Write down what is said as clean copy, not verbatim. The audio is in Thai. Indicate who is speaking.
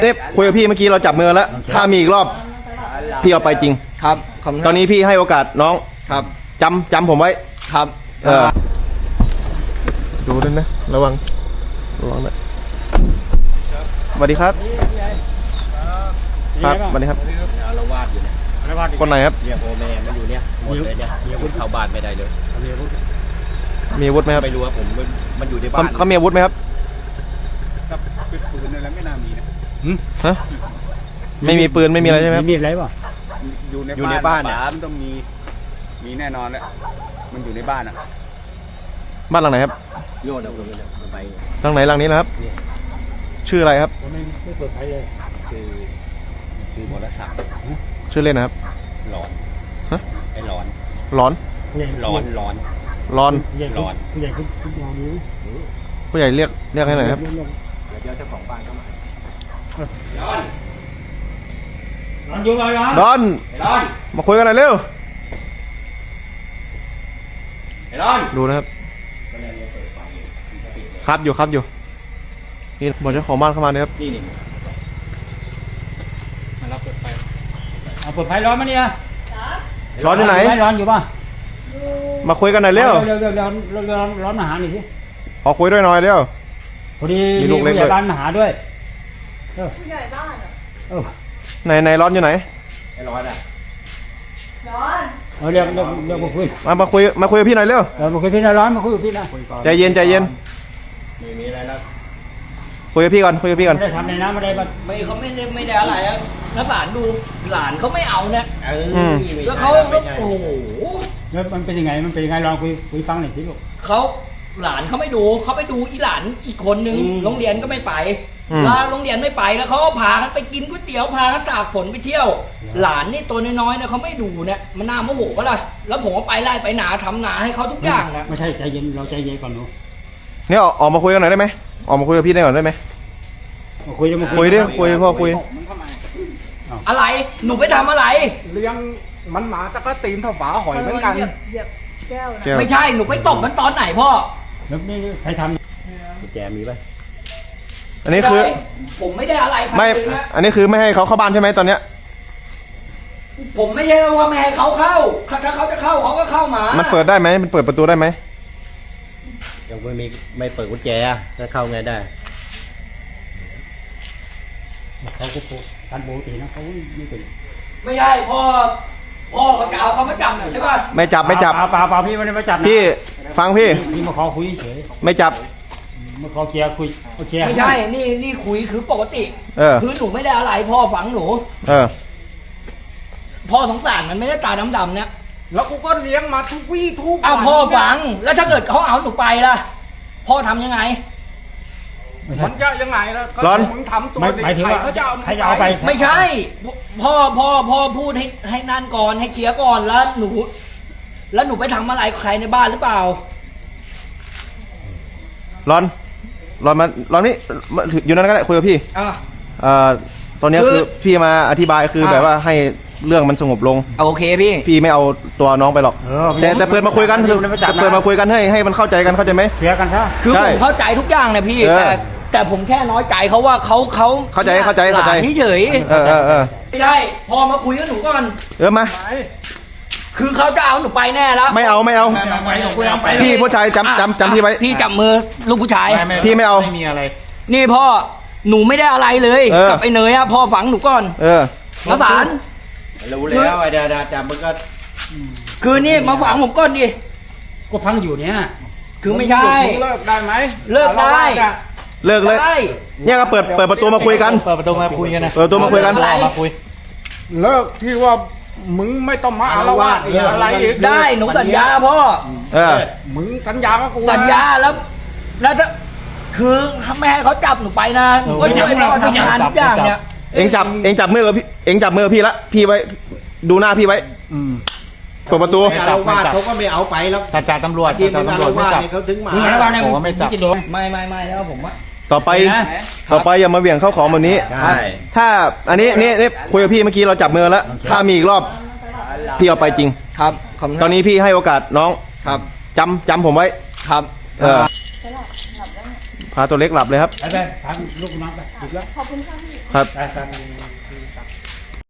Speaker 1: นี่คุยกับพี่เมื่อกี้เราจับมือแล้วถ้ามีอีกรอบพี่เอาไปจริง
Speaker 2: ครับ
Speaker 1: ตอนนี้พี่ให้โอกาสน้อง
Speaker 2: ครับ
Speaker 1: จำผมไว้
Speaker 2: ครับ
Speaker 1: ดูด้วยนะระวังนะสวัสดีครับครับสวัสดีครับ
Speaker 3: เราวาดอยู่เนี่ย
Speaker 1: คนไหนครับ
Speaker 3: เรียกโอแม่มันอยู่เนี่ยหมดเลยเนี่ยคุณเข้าบ้านไม่ได้เลย
Speaker 1: มีอาวุธไหมครับ
Speaker 3: ไม่รู้ว่าผมมันอยู่ในบ้าน
Speaker 1: เขามีอาวุธไหมครับ
Speaker 3: ปืนอะไรไม่น่ามีนะ
Speaker 1: ฮะไม่มีปืนไม่มีอะไรใช่ไหม
Speaker 4: มีอะไรป่ะ
Speaker 3: อยู่ในบ้านเนี่ยมันต้องมีแน่นอนแหละมันอยู่ในบ้านอ่ะ
Speaker 1: บ้านหลังไหนครับ
Speaker 3: โยนเอาไป
Speaker 1: หลังไหนหลังนี้นะครับชื่ออะไรครับ
Speaker 4: ไม่เปิดไฟเลย
Speaker 3: ชื่อวรศักดิ์
Speaker 1: ชื่อเล่นนะครับ
Speaker 3: หลอน
Speaker 1: ฮะ
Speaker 3: ไอ้หลอน
Speaker 1: ร้อน
Speaker 4: ผู้ใหญ่คุณลองดู
Speaker 1: ผู้ใหญ่เรียกให้หน่อยครับ
Speaker 3: เดี๋ยวเจ้าของบ้านเข้ามา
Speaker 4: ร้อนอยู่ไหม
Speaker 1: ดอนมาคุยกันหน่อยเร็วดูนะครับครับอยู่นี่บอกเจ้าของบ้านเข้ามาเนี่ยครับ
Speaker 3: นี่
Speaker 4: มารับเปิดไฟเอาเปิดไฟร้อนมั้ยเนี่ย
Speaker 1: ร้อนที่ไหน
Speaker 4: ร้อนอยู่ป่ะ
Speaker 1: มาคุยกันหน่อยเร็ว
Speaker 4: ร้อนมาหาหน่อยสิ
Speaker 1: ขอคุยด้วยหน่อยเร็ว
Speaker 4: พอดีมีผู้ใหญ่บ้านมาหาด้วย
Speaker 5: ผู้ใหญ่บ้าน
Speaker 1: ไหนร้อนอยู่ไหน
Speaker 3: ไอ้ร้อนอ่ะ
Speaker 4: เรียกมาคุย
Speaker 1: มาคุยกับพี่หน่อยเร็ว
Speaker 4: มาคุยพี่นะร้อนมาคุยกับพี่นะ
Speaker 1: ใจเย็น
Speaker 3: มีอะไรแล้ว
Speaker 1: คุยกับพี่ก่อนไม่
Speaker 4: ได้ทำในน้ำไม่ได้
Speaker 2: เขาไม่ได้อะไรอ่ะแล้วหลานดูหลานเขาไม่เอาเนี่ยแล้วเขาโอ้โห
Speaker 4: แล้วมันเป็นยังไงลองคุยฟังหน่อยสิลูก
Speaker 2: เขาหลานเขาไม่ดูเขาไปดูอีหลานอีกคนนึงโรงเรียนก็ไม่ไปแล้วโรงเรียนไม่ไปแล้วเขาก็พากันไปกินก๋วยเตี๋ยวพากันตากฝนไปเที่ยวหลานนี่ตัวน้อยๆเนี่ยเขาไม่ดูเนี่ยมันน่าโมโหก็เลยแล้วผมก็ไปไล่ไปหนาทำหนาให้เขาทุกอย่างนะ
Speaker 4: ไม่ใช่ใจเย็นเราใจเย็นก่อนหนู
Speaker 1: เนี่ยออกมาคุยกันหน่อยได้ไหมออกมาคุยกับพี่ได้ก่อนได้ไหม
Speaker 4: คุยดิ
Speaker 1: พ่อคุย
Speaker 2: อะไรหนูไปทำอะไร
Speaker 3: เลี้ยงมันหมาตะก็ตีนเท่าฝาหอยเหมือนกัน
Speaker 5: แก้ว
Speaker 2: ไม่ใช่หนูไปตบมันตอนไหนพ่อ
Speaker 4: แล้วนี่ใครทำ
Speaker 3: แกมีป่ะ
Speaker 1: อันนี้คือ
Speaker 2: ผมไม่ได้อะไร
Speaker 1: ไม่อันนี้คือไม่ให้เขาเข้าบ้านใช่ไหมตอนเนี้ย
Speaker 2: ผมไม่ใช่ว่าไม่ให้เขาเข้าถ้าเขาจะเข้าเขาก็เข้ามา
Speaker 1: มันเปิดได้ไหมมันเปิดประตูได้ไหม
Speaker 3: ยังไม่เปิดกุญแจจะเข้าไงได้
Speaker 4: เขาก็การปกตินะเขาไม่เป็น
Speaker 2: ไม่ใช่พ่อเขาจะเอาเขามาจับใช่ป่ะ
Speaker 1: ไม่จับ
Speaker 4: เปล่าพี่ไม่ได้มาจับนะ
Speaker 1: พี่ฟังพี่
Speaker 4: มาขอคุยเฉย
Speaker 1: ไม่จับ
Speaker 4: มาขอเคลียร์คุย
Speaker 2: ไม่ใช่นี่คุยคือปกติคือหนูไม่ได้อะไรพ่อฝังหนูพ่อสงสารมันไม่ได้ตาดำๆเนี่ย
Speaker 3: แล้วกูก็เลี้ยงมาทุกวี่ทุก
Speaker 2: วันพ่อฝังแล้วถ้าเกิดเขาเอาหนูไปล่ะพ่อทำยังไง
Speaker 3: มันจะยังไงล่ะ
Speaker 1: ร้อน
Speaker 3: มึงทำตัว
Speaker 4: หมายถึงว่า
Speaker 3: เขาจะ
Speaker 4: เอาไป
Speaker 2: ไม่ใช่พ่อพูดให้นั่นก่อนให้เคลียร์ก่อนแล้วหนูไปทำอะไรใครในบ้านหรือเปล่า
Speaker 1: ร้อนนี่อยู่นั่นก็ได้คุยกับพี่ตอนนี้คือพี่มาอธิบายคือแบบว่าให้เรื่องมันสงบลง
Speaker 2: โอเคพี่
Speaker 1: ไม่เอาตัวน้องไปหรอกแต่เปิดมาคุยกันให้มันเข้าใจกันเข้าใจไหม
Speaker 4: เคลียร์กันใช่
Speaker 2: คือผมเข้าใจทุกอย่างนะพี่แต่ผมแค่น้อยใจเขาว่าเขา
Speaker 1: เข้าใจ
Speaker 2: นี่เฉยไม่ใช่พอมาคุยกับหนูก่อน
Speaker 1: มา
Speaker 2: คือเขาจะเอาหนูไปแน่แล้ว
Speaker 1: ไม่เอาพี่ผู้ชายจำพี่ไว้
Speaker 2: พี่จับมือลูกผู้ชาย
Speaker 1: พี่ไม่เอา
Speaker 4: ไม่มีอะไร
Speaker 2: นี่พ่อหนูไม่ได้อะไรเลยกับไอ้เนยพ่อฝังหนูก่อนมาสาร
Speaker 3: รู้แล้วไอ้เดี๋ยวจับมึงก็
Speaker 2: คือนี่มาฝังผมก่อนดิ
Speaker 4: ก็ฟังอยู่เนี่ย
Speaker 2: คือไม่ใช่
Speaker 3: เลิกได้ไหม
Speaker 2: เลิกได้
Speaker 1: เลิกเลยเนี่ยก็เปิดประตูมาคุยกัน
Speaker 4: เปิดประตูมาคุยกันนะ
Speaker 1: เปิดประตูมาคุยกัน
Speaker 4: มาคุย
Speaker 3: เลิกที่ว่ามึงไม่ต้องมาอาละวาดอะไรอีก
Speaker 2: ได้หนูสัญญาพ่อ
Speaker 3: มึงสัญญากับกู
Speaker 2: สัญญาแล้วคือไม่ให้เขาจับหนูไปนะหนูก็ช่วยพ่อทำงานทุกอย่างเนี่ย
Speaker 1: เอ็งจับมือกับพี่พี่ละพี่ไว้ดูหน้าพี่ไว้เปิดประตู
Speaker 3: เขาก็ไม่เอาไปแล้ว
Speaker 4: สัจจะตำรวจ
Speaker 3: ไม่จับเขาถึงมา
Speaker 4: ผมว่าไม่จับ
Speaker 2: ไม่แล้วผมว่า
Speaker 1: ต่อไปอย่ามาเบี่ยงเข้าของแบบนี้ถ้าอันนี้คุยกับพี่เมื่อกี้เราจับมือแล้วถ้ามีอีกรอบพี่เอาไปจริง
Speaker 2: ครับ
Speaker 1: ตอนนี้พี่ให้โอกาสน้อง
Speaker 2: ครับ
Speaker 1: จำผมไว้
Speaker 2: ครับ
Speaker 1: พาตัวเล็กหลับเลยครับ
Speaker 4: ไปทางลูกน้องไปถูกแล้ว
Speaker 5: ขอบคุณค่ะพี่
Speaker 1: ครับ
Speaker 4: ไป